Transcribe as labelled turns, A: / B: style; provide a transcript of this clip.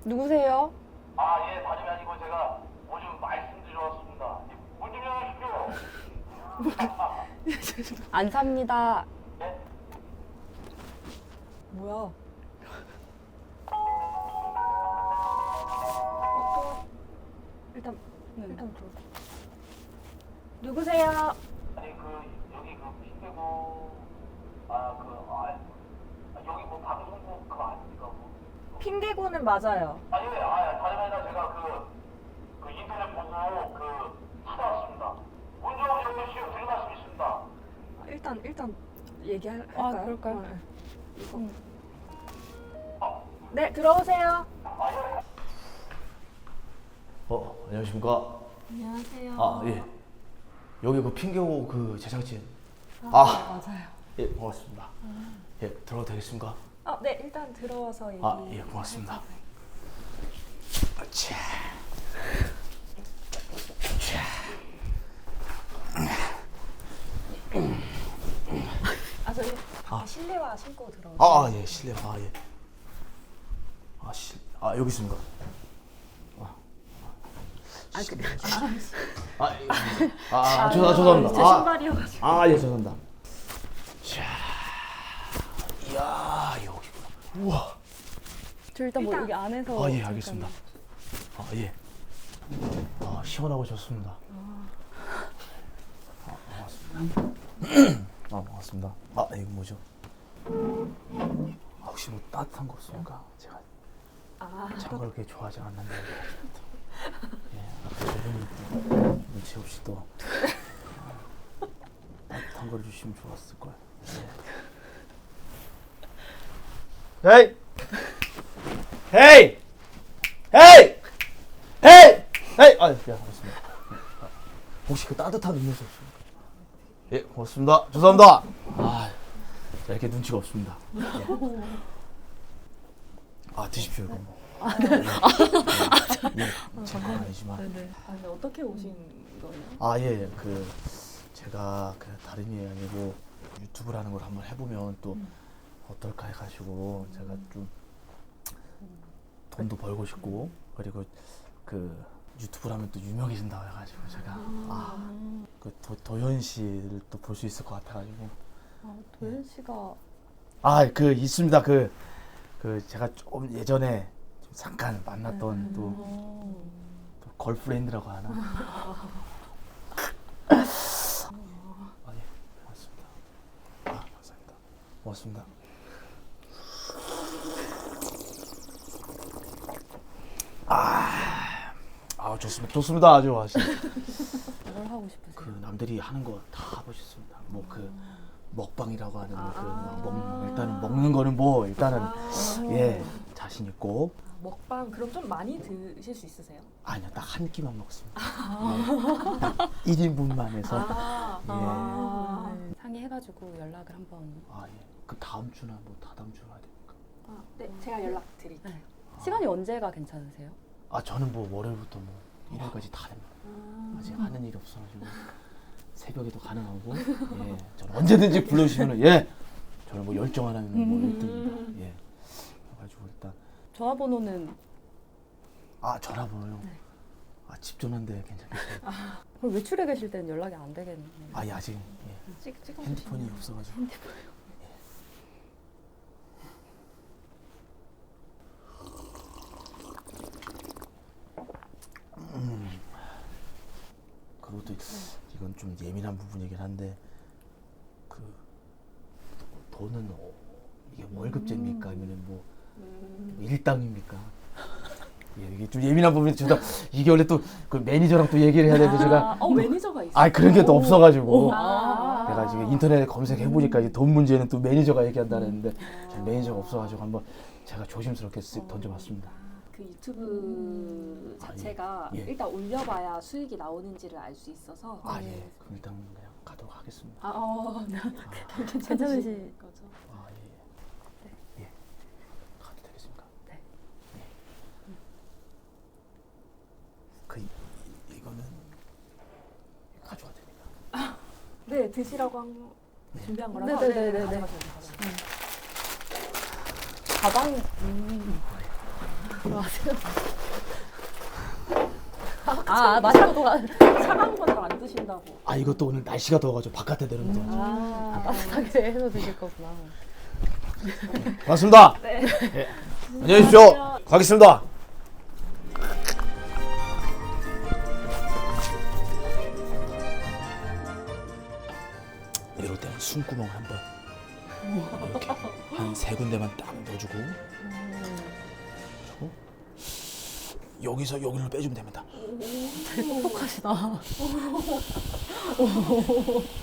A: 누구세요?
B: 아, 예, 다름이 아니고 제가 오줌 말씀드려 왔습니다. 문 좀 열어주십시오.
A: 안 삽니다.
B: 예?
A: 뭐야? 일단 일단 들어. 누구세요?
B: 아니, 여기 핑계고, 여기 뭐 방송국 그거 아닙니까? 뭐.
C: 핑계고는 맞아요.
B: 아니, 다름이 아니라 제가 인터넷 보고 찾아왔습니다. 문 좀 열어주시오. 드릴 말씀 있습니다.
C: 일단 얘기할까요?
A: 아, 그럴까요?
C: 네. 네, 들어오세요.
D: 안녕하십니까.
C: 안녕하세요.
D: 아, 예. 여기 핑계고 제작진.
C: 맞아요.
D: 예, 고맙습니다. 예, 들어도 되겠습니까?
C: 네, 일단 들어와서 얘기.
D: 예, 고맙습니다. 자.
C: 저희 실내화 신고 들어오세요.
D: 예, 실례. 예. 여기 있습니까? 죄송합니다.
C: 제 신발이어가지고.
D: 예, 죄송합니다. 자, 이야, 여기구나. 우와.
A: 저 일단 뭐
C: 일단-
A: 여기 안에서.
D: 예, 알겠습니다. 예. 시원하고 좋습니다. 반갑습니다. 반갑습니다. 이거 뭐죠? 혹시 뭐 따뜻한 거 없습니까? 제가 찬 걸 그렇게 좋아하지 않는데. 예, 아까 저분이 눈치 없이 또 따뜻한 걸 주시면 좋았을 거예요. 헤이! 헤이! 헤이! 헤이! 헤이! 알겠습니다. 혹시 따뜻한 음료수 없습니까? 예, 고맙습니다. 죄송합니다. 자, 이렇게 눈치가 없습니다. 예. 드십시오, 이거 뭐. 제 건 아니지만.
C: 네네. 근데 어떻게 오신 거예요?
D: 예, 제가 다름이 아니고 유튜브라는 걸 한번 해보면 또 어떨까 해가지고 제가 좀 돈도 벌고 싶고 그리고 유튜브라면 또 유명해진다고 해가지고 제가 도현 씨를 또 볼 수 있을 것 같아가지고.
A: 도현 씨가
D: 있습니다. 제가 좀 예전에 좀 잠깐 만났던 또 걸프렌드라고 하나. 예, 고맙습니다. 감사합니다. 고맙습니다. 좋습니다. 아주 맛있.
A: 뭘 하고 싶으세요?
D: 남들이 하는 거 다 하고 싶습니다. 먹방이라고 하는 일단은 먹는 거는 일단은 예, 자신 있고.
C: 먹방 그럼 좀 많이 드실 수 있으세요?
D: 아니요, 딱 한 끼만 먹습니다. 딱 1인분만 해서.
A: 상의해가지고 연락을 한번.
D: 예. 다음 주나 다다음 주나 해야 됩니까?
C: 네, 제가 연락드릴게요.
A: 네. 시간이 언제가 괜찮으세요?
D: 저는 월요일부터 일요일까지 다 됩니다. 아직 하는 일이 없어가지고 새벽에도 가능하고. 예, 저는 언제든지 불러주시면은 저는 열정 하나면 1등입니다. 예. 그래가지고 일단
A: 전화번호는.
D: 전화번호요.
A: 네.
D: 집 전화인데 괜찮겠어요?
A: 그럼 외출해 계실 때는 연락이 안 되겠네요.
D: 아직 핸드폰이 없어가지고. 그리고 또 이건 좀 예민한 부분이긴 한데 돈은 이게 월급제입니까? 아니면 일당입니까? 예, 이게 좀 예민한 부분이 이게 원래 또 매니저랑 또 얘기를 해야 되는데 제가
C: 매니저가 있어요?
D: 그런 게 또 없어가지고
C: 아.
D: 내가 지금 인터넷에 검색해 보니까 이제 돈 문제는 또 매니저가 얘기한다는데 매니저가 없어가지고 한번 제가 조심스럽게 쓱 던져봤습니다.
C: 그 유튜브 자체가
D: 예.
C: 일단 올려봐야 수익이 나오는지를 알 수 있어서.
D: 그럼 일단 그냥 가도록 하겠습니다.
A: 괜찮으실
C: 거죠?
D: 예. 가도 되겠습니까?
A: 네.
D: 이거는 가져와야 됩니다.
C: 네, 드시라고 준비한 거라서.
A: 네네네네.
C: 가져가셔도 돼요.
A: 가방. 마세요. 마시고 돌아.
C: 차가운 거 잘 안 드신다고.
D: 아 이것도 오늘 날씨가 더워가지고 바깥에 내려놓자.
A: 따뜻하게 해서 드실 거구나.
D: 고맙습니다. 네. 안녕히 계십시오. 가겠습니다. 이럴 때는 숨구멍 한번 이렇게 한 3군데만 딱 넣어주고 그리고 여기서 여기로 빼주면 됩니다.
A: 똑똑하시다.